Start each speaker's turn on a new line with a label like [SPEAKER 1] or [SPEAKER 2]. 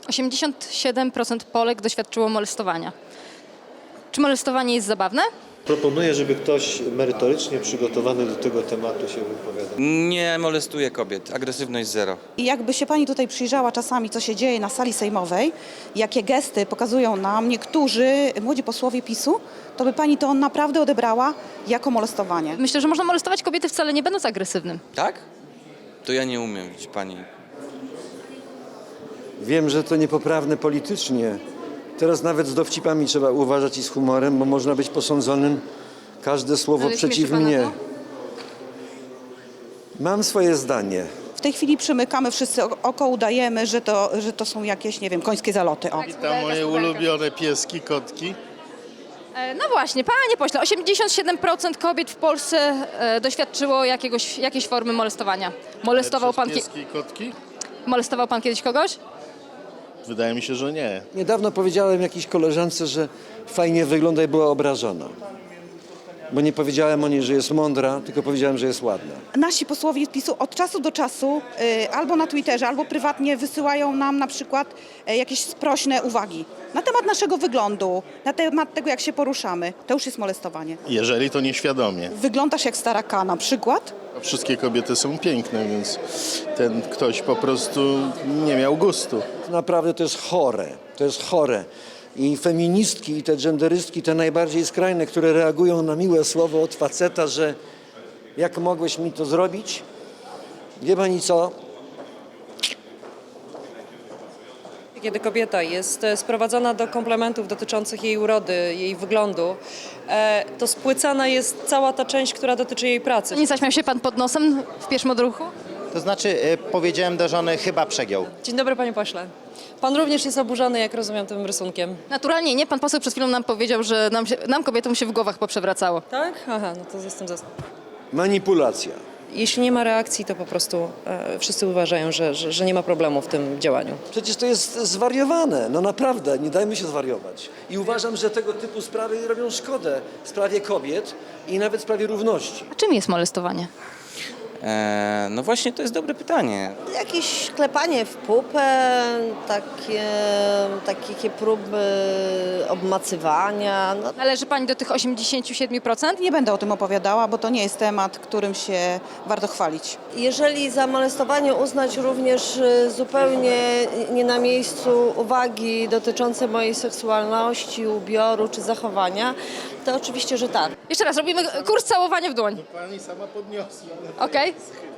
[SPEAKER 1] 87% Polek doświadczyło molestowania. Czy molestowanie jest zabawne?
[SPEAKER 2] Proponuję, żeby ktoś merytorycznie przygotowany do tego tematu się wypowiadał.
[SPEAKER 3] Nie molestuję kobiet. Agresywność zero.
[SPEAKER 4] I jakby się pani tutaj przyjrzała czasami, co się dzieje na sali sejmowej, jakie gesty pokazują nam niektórzy młodzi posłowie PiS-u, to by pani to naprawdę odebrała jako molestowanie.
[SPEAKER 1] Myślę, że można molestować kobiety wcale nie będąc agresywnym.
[SPEAKER 3] Tak? To ja nie umiem, widzi pani.
[SPEAKER 5] Wiem, że to niepoprawne politycznie. Teraz nawet z dowcipami trzeba uważać i z humorem, bo można być posądzonym każde słowo
[SPEAKER 1] Ale
[SPEAKER 5] przeciw
[SPEAKER 1] śmieszy pana
[SPEAKER 5] mnie.
[SPEAKER 1] to?
[SPEAKER 5] Mam swoje zdanie.
[SPEAKER 4] W tej chwili przymykamy wszyscy oko, udajemy, że to są jakieś, nie wiem, końskie zaloty. O.
[SPEAKER 6] Witam moje ulubione pieski, kotki.
[SPEAKER 1] No właśnie, panie pośle, 87% kobiet w Polsce doświadczyło jakiejś formy molestowania.
[SPEAKER 6] Pieski i kotki?
[SPEAKER 1] Molestował pan kiedyś kogoś?
[SPEAKER 6] Wydaje mi się, że nie.
[SPEAKER 5] Niedawno powiedziałem jakiejś koleżance, że fajnie wygląda i była obrażona. Bo nie powiedziałem o niej, że jest mądra, tylko powiedziałem, że jest ładna.
[SPEAKER 4] Nasi posłowie z PiS-u od czasu do czasu albo na Twitterze, albo prywatnie wysyłają nam na przykład jakieś sprośne uwagi na temat naszego wyglądu, na temat tego, jak się poruszamy. To już jest molestowanie.
[SPEAKER 6] Jeżeli to nieświadomie.
[SPEAKER 4] Wyglądasz jak stara K na przykład.
[SPEAKER 6] A wszystkie kobiety są piękne, więc ten ktoś po prostu nie miał gustu.
[SPEAKER 5] Naprawdę to jest chore. To jest chore. I feministki, i te genderystki, te najbardziej skrajne, które reagują na miłe słowo od faceta, że jak mogłeś mi to zrobić? Wie pani co?
[SPEAKER 7] Kiedy kobieta jest sprowadzana do komplementów dotyczących jej urody, jej wyglądu, to spłycana jest cała ta część, która dotyczy jej pracy.
[SPEAKER 1] Nie zaśmiał się pan pod nosem w pierwszym odruchu?
[SPEAKER 8] To znaczy powiedziałem do żony, chyba przegiął.
[SPEAKER 7] Dzień dobry, panie pośle. Pan również jest oburzony, jak rozumiem, tym rysunkiem.
[SPEAKER 1] Naturalnie nie. Pan poseł przed chwilą nam powiedział, że nam kobietom się w głowach poprzewracało.
[SPEAKER 7] Tak? Aha, no to jestem za...
[SPEAKER 5] Manipulacja.
[SPEAKER 7] Jeśli nie ma reakcji, to po prostu wszyscy uważają, że nie ma problemu w tym działaniu.
[SPEAKER 5] Przecież to jest zwariowane, no naprawdę, nie dajmy się zwariować. I uważam, że tego typu sprawy robią szkodę sprawie kobiet i nawet sprawie równości.
[SPEAKER 1] A czym jest molestowanie?
[SPEAKER 3] No właśnie, to jest dobre pytanie.
[SPEAKER 9] Jakieś klepanie w pupę, takie próby obmacywania. No.
[SPEAKER 1] Należy pani do tych 87%?
[SPEAKER 4] Nie będę o tym opowiadała, bo to nie jest temat, którym się warto chwalić.
[SPEAKER 9] Jeżeli za molestowanie uznać również zupełnie nie na miejscu uwagi dotyczące mojej seksualności, ubioru czy zachowania, to oczywiście, że tak.
[SPEAKER 1] Jeszcze raz, robimy kurs całowania w dłoń.
[SPEAKER 6] Pani sama podniosła.
[SPEAKER 1] Okej?